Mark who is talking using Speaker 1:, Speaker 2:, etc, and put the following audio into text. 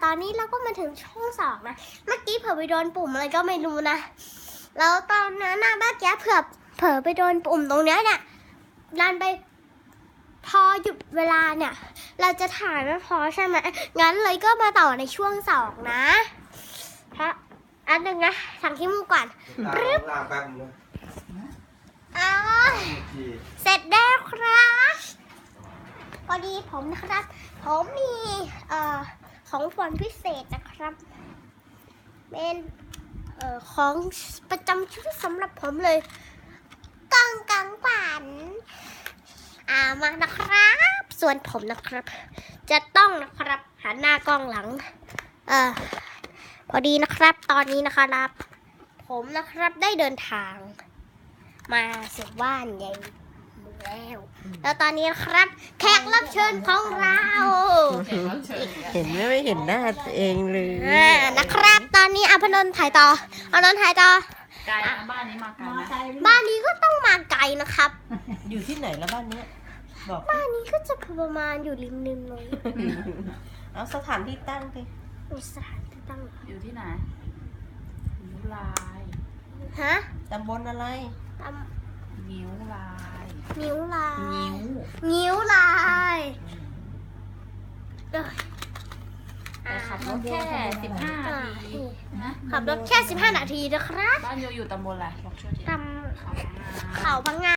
Speaker 1: อนนี้เราก็มาถึงช่วงสองนะเมื่อกี้เผลอไปโดนปุ่มอะไรก็ไม่รู้นะแล้วตอนนั้นนะเมื่อกี้เผลอไปโดนปุ่มตรงเนี้ยเนี่ยดันไปพอหยุดเวลาเนี่ยเราจะถ่ายไม่พอใช่ไหมงั้นเลยก็มาต่อในช่วงสองนะเพราะอันหนึ่งนะสั่งขี้มูกก่อนรึบ
Speaker 2: ลาแป๊บนึง
Speaker 1: เสร็จแล้วครับพอดีผมนะครับผมมีของขวัญพิเศษนะครับเป็นของประจำชุดสำหรับผมเลยกล่องกังฝันมานะครับส่วนผมนะครับจะต้องนะครับหันหน้ากล้องหลังพอดีนะครับตอนนี้นะครับผมนะครับได้เดินทางมาสู่บ้านใหญ่แล้วตอนนี้นะครับแขกรับเชิญของเรา
Speaker 3: เห็นไม่เห็นหน้าตัวเองเลย
Speaker 1: นะครับตอนนี้อภนนท์ถ่ายต่ออานนท์ถ่ายต่อ
Speaker 4: ไกลนะบ้านนี้มาไกลนะ
Speaker 1: บ้านนี้ก็ต้องมาไกลนะครับ
Speaker 3: อยู่ที่ไหนแล้วบ้านเนี้ยบอก
Speaker 1: บ้านนี้ก็จะประมาณอยู่ริมเลย
Speaker 3: เอาสถานที่ตั้งสิ
Speaker 1: มีสถานที่ตั้ง
Speaker 4: อยู่ที่ไหนนิ้วลาย
Speaker 1: ฮะ
Speaker 3: ตำบลอะไร
Speaker 1: ต
Speaker 4: นิ้วลาย
Speaker 1: ำนิ้วลาย
Speaker 4: นิ้ว
Speaker 1: นิ้วลายเอ้ย
Speaker 4: แต่ขับรถแค่15 นาทีนะ
Speaker 1: ขับรถแค่15 นาทีนะครับ
Speaker 4: บ้านอยู่ตำบลอะไรบอกช่วยที
Speaker 1: ตำเขาพังงา